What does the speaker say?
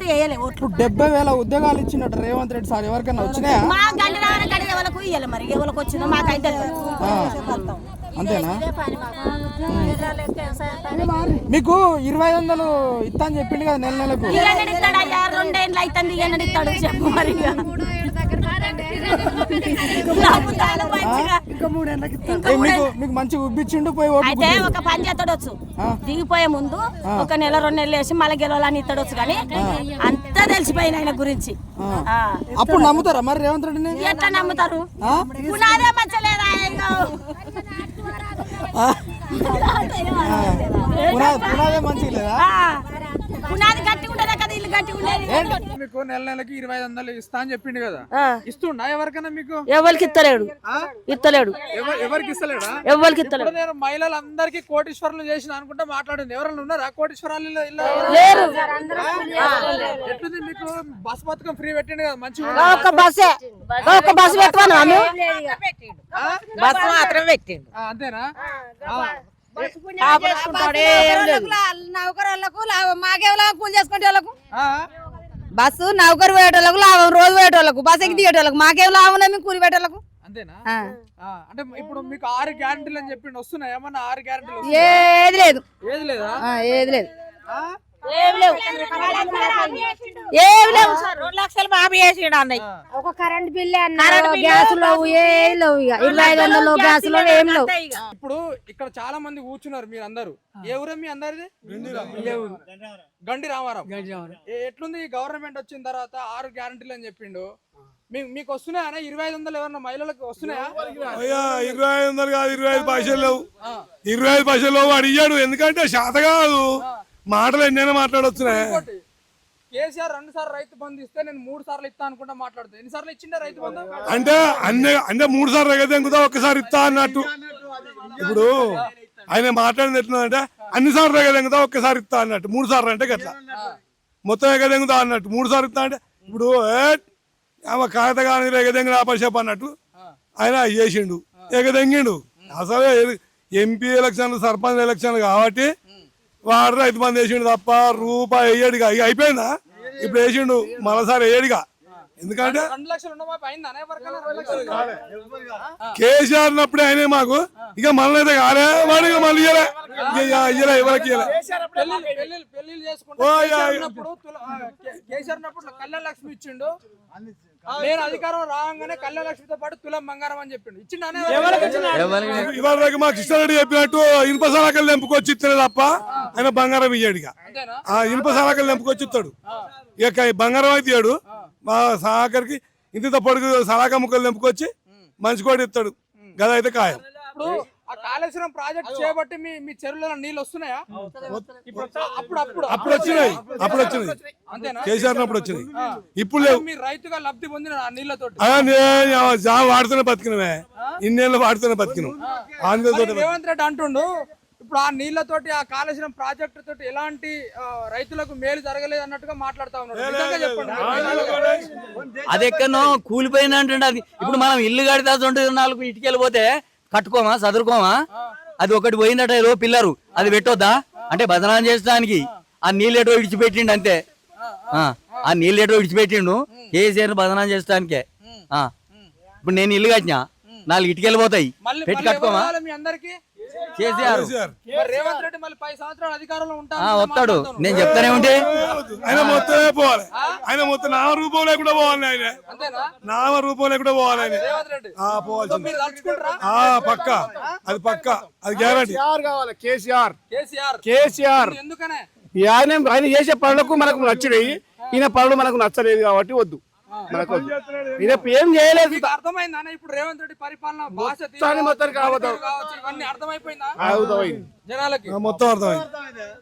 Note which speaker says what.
Speaker 1: వేయలే ఓట్లు.
Speaker 2: 70,000 ఉద్యోగాలు ఇచ్చినట్టు రేవంత్ రెడ్డి సార్ ఎవరికైనా వచ్చినాయా?
Speaker 1: మా గండి రావని గడి ఎవరికి ఇయ్యాలి, మరి ఎవరికి వచ్చిందో మాకైతే
Speaker 2: అంతేనా? మీకు 2,500 ఇస్తా అని చెప్పిండు కదా నెల నెలకు.
Speaker 1: ఇస్తాడు అయ్యా, 2 ఏళ్ళు అవుతుంది ఇస్తాడు చెప్పు మరి.
Speaker 2: మీకు మంచిగా ఉబ్బిచ్చిండు పోయి
Speaker 1: అయితే ఒక పని చేస్తాడొచ్చు, దిగిపోయే ముందు ఒక నెల 2 నెలలు వేసి మళ్ళీ గెలవాలని ఇస్తాడొచ్చు, కానీ అంతా తెలిసిపోయింది ఆయన గురించి.
Speaker 2: అప్పుడు నమ్ముతారా మరి రేవంత్ రెడ్డిని?
Speaker 1: ఎట్లా నమ్ముతారు? పునాదే మంచలేదా?
Speaker 2: పునాదే మంచిగా లేదా?
Speaker 1: పునాది గట్టిగా ఉండదా కదా, ఇల్లు గట్టిగా ఉండేది.
Speaker 2: మీకు నెల నెలకి 2,500 ఇస్తా అని చెప్పిండు కదా, ఇస్తుండా ఎవరికైనా? మీకు
Speaker 3: ఎవరికి ఇస్తలేడు.
Speaker 2: ఎవరికి ఇస్తలేడా?
Speaker 3: ఎవరికి ఇస్తలేడు.
Speaker 2: నేను మహిళలందరికీ కోటీశ్వరులు చేసిన అనుకుంటా మాట్లాడింది. ఎవరైనా ఉన్నారా కోటీశ్వరాలు?
Speaker 3: లేరు.
Speaker 2: ఎట్లుంది మీకు? బస్ పథకం ఫ్రీ పెట్టిండు కదా, మంచిగా.
Speaker 3: ఒక బస్సు పెట్టమను,
Speaker 4: బస్ మాత్రం పెట్టిండు
Speaker 2: అంతేనా?
Speaker 4: నౌకరులకు లాభం, మాకేం లాభం? కూలి చేసుకుంటే వాళ్ళకు బస్సు, నౌకరు పోయేటోళ్ళకు లాభం, రోజు పోయేటోళ్ళకు, బస్ ఎక్కి దిగేటోళ్ళకు మాకేం లాభం ఉన్నాయి? మేము కూలి పెట్టేళ్ళకు.
Speaker 2: అంతేనా? అంటే ఇప్పుడు మీకు 6 గ్యారెంటీలు అని చెప్పిండు, వస్తున్నాయి ఏమన్నా 6 గ్యారెంటీలు?
Speaker 4: ఏది లేదు.
Speaker 2: ఏది లేదా?
Speaker 4: ఏది లేదు.
Speaker 3: ఏమి లేవు.
Speaker 4: 2 లక్షలు మాఫీ చేసిండు అన్నయ్య.
Speaker 3: ఒక కరెంట్ బిల్లు అన్నారు, గ్యాస్ లేవు, ఏం లేవు. ఇక 2,500 గ్యాస్ లో ఏం లేవు.
Speaker 2: ఇప్పుడు ఇక్కడ చాలా మంది కూర్చున్నారు, మీరు అందరు ఏ ఊరే మీ అందరిది? గండి రామారావు. ఎట్లుంది గవర్నమెంట్ వచ్చిన తర్వాత 6 గ్యారెంటీలు అని చెప్పిండు, మీకు వస్తున్నాయా? 2,500 ఎవరన్నా మహిళలకు వస్తున్నాయా?
Speaker 5: 2,500 కాదు, 25 పైసలు లేవు. 25 పైసలు లేవు వాడు ఇయ్యాడు, ఎందుకంటే శాత కాదు. మాటలు ఎన్నైనా మాట్లాడొచ్చునే.
Speaker 2: కేసీఆర్ 2 సార్లు రైతు బంధు ఇస్తే నేను 3 సార్లు ఇస్తా అనుకుంటా మాట్లాడుతా. ఎన్నిసార్లు ఇచ్చిండే రైతు బంధు?
Speaker 5: అంటే అంటే 3 సార్లు ఎగదెంగుతా, ఒక్కసారి ఇస్తా అన్నట్టు. ఇప్పుడు ఆయన మాట్లాడింది ఎట్లుందంటే అన్ని సార్లు ఎగదెంగుతా, ఒక్కసారి ఇస్తా అన్నట్టు. 3 సార్లు అంటే గట్లా మొత్తం ఎగదెంగుతా అన్నట్టు. 3 సార్లు ఇస్తా అంటే ఇప్పుడు కాగిత కానీ ఎగదెంగిన ఆపేసేపు అన్నట్టు ఆయన చేసిండు, ఎగదెంగిండు. అసలు ఎంపీ ఎలక్షన్లు, సర్పంచ్ ఎలక్షన్లు కాబట్టి వాడు రైతు బంధు వేసిండు తప్ప రూపాయి వేయడుగా. ఇక అయిపోయిందా? ఇప్పుడు వేసిండు, మరోసారి వేయడుగా. ఎందుకంటే కేసీఆర్ ఉన్నప్పుడే అయినా మాకు, ఇక మళ్ళీ అయితే కాలే వాడు, ఇక మళ్ళీ ఇయ్యలే ఎవరికి
Speaker 2: కళ్యాణ లక్ష్మి ఇచ్చిండు. నేను అధికారం రాగానే కళ్యాణ లక్ష్మితో పాటు తులం బంగారం అని చెప్పిండు. ఇచ్చిండు
Speaker 5: ఇవాళ మా కృష్ణారెడ్డి చెప్పినట్టు ఇనుప సలాకలు తెంపుకొచ్చి ఇస్తాడు తప్ప ఆయన బంగారం ఇయ్యాడు. ఆ ఇనుప సలాకలు తెంపుకొచ్చి ఇస్తాడు, ఇక బంగారం అయితే ఇయ్యాడు. మా సహకారికి ఇంత పొడుగు సలాక ముక్కలు తెంపుకొచ్చి మంచి కూడా ఇస్తాడు. గద అయితే ఖాయం.
Speaker 2: ఆ కాళేశ్వరం ప్రాజెక్ట్ చేయబట్టి మీ చెరువులలో నీళ్ళు వస్తున్నాయా?
Speaker 5: అప్పుడు వచ్చినాయి. అంతేనా? కేసీఆర్ అప్పుడు వచ్చినాయి, ఇప్పుడు లేవు.
Speaker 2: మీరు రైతుగా లబ్ధి పొందిన ఆ నీళ్లతో
Speaker 5: వాడుతూనే బతికినవే, ఇన్నేళ్ళు వాడుతూనే బతికినాం.
Speaker 2: రేవంత్ రెడ్డి అంటుండు ఇప్పుడు ఆ నీళ్లతోటి, ఆ కాళేశ్వరం ప్రాజెక్టు తోటి ఎలాంటి రైతులకు మేలు జరగలేదు అన్నట్టుగా మాట్లాడుతా ఉన్నాడు. చెప్పండి.
Speaker 6: అది ఎక్కడో కూలిపోయింది అంటుండే. అది ఇప్పుడు మనం ఇల్లు కడితే 4 ఇటుకెళ్ళి పోతే కట్టుకోమా, చదువుకోమా? అది ఒకటి పోయిందట ఏదో పిల్లరు, అది పెట్టొద్దా అంటే బదనాం చేసడానికి? ఆ నీళ్ళేటో విడిచిపెట్టిండు అంతే. ఆ నీళ్ళేటో విడిచిపెట్టిండు కేసీఆర్ బదనాం చేసడానికే. ఇప్పుడు నేను ఇల్లు కట్టినా, 4 ఇటుకెళ్ళి పోతాయి, పెట్టి కట్టుకోమా? కేసీఆర్
Speaker 2: రేవంత్ రెడ్డి మళ్ళీ 10 సంవత్సరాలు అధికారంలో
Speaker 6: వస్తాడు, నేను చెప్తానే ఉంటే
Speaker 5: ఆయన మొత్తమే పోవాలి. ఆయన మొత్తం నామ రూపం లేకుండా పోవాలి. ఆయన నామ రూపం లేకుండా పోవాలి. ఆయన పోవాల్సింది పక్క, అది పక్క, అది గ్యారంటీ కావాలి. కేసీఆర్ ఆయన చేసే పనులకు మనకు నచ్చినాయి, ఈయన పనులు మనకు నచ్చలేదు కాబట్టి వద్దు. ఏం చేయలేదు.
Speaker 2: అర్థమైందా ఇప్పుడు రేవంత్ రెడ్డి పరిపాలన భాష
Speaker 5: మొత్తం
Speaker 2: ఇవన్నీ అర్థమైపోయిందా
Speaker 5: జనాలకి? మొత్తం అర్థమైంది.